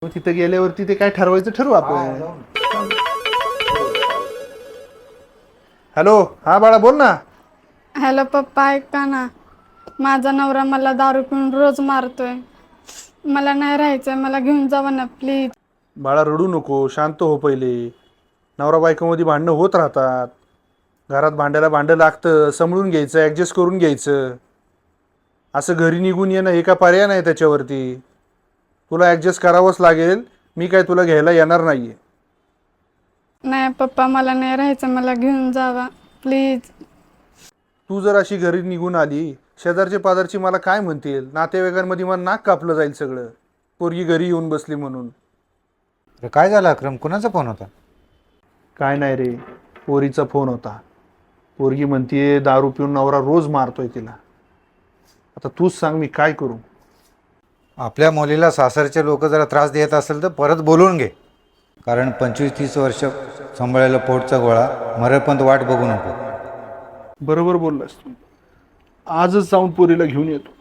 मग तिथे गेल्यावरती ते काय ठरवायचं ठरवू आपण. हॅलो, हा बाळा बोल ना. हॅलो पप्पा, ऐका ना. माझा नवरा मला दारू पिऊन रोज मारतोय. मला नाही राहायचंय, मला घेऊन जावा ना प्लीज. बाळा रडू नको, शांत हो पहिले. नवरा बायकोमध्ये भांडणं होत राहतात. घरात भांड्याला भांडं लागतं, समळून घ्यायचं, ॲडजस्ट करून घ्यायचं. असं घरी निघून येणं हे का पर्याय नाही त्याच्यावरती. तुला ॲडजस्ट करावंच लागेल. मी काय तुला घ्यायला येणार नाहीये. नाही पप्पा, मला नाही राहायचं, मला घेऊन जावा प्लीज. तू जर अशी घरी निघून आली, शेजारचे पाजारची मला काय म्हणतील, नातेवाईकांमध्ये मला नाक कापलं जाईल सगळं. पोरगी घरी येऊन बसली म्हणून. काय झालं अक्रम, कुणाचा फोन होता? काय नाही रे, पोरीचा फोन होता. पोरगी म्हणतीये दारू पिऊन नवरा रोज मारतोय तिला. आता तूच सांग मी काय करू. आपल्या मुलीला सासरचे लोक जरा त्रास देत असेल तर परत बोलवून घे. कारण 25-30 वर्ष सांभाळलेला पोटचा गोळा मरेपर्यंत वाट बघू नको. बरोबर बोललास तू. आजच जाऊन पोरीला घेऊन येतो.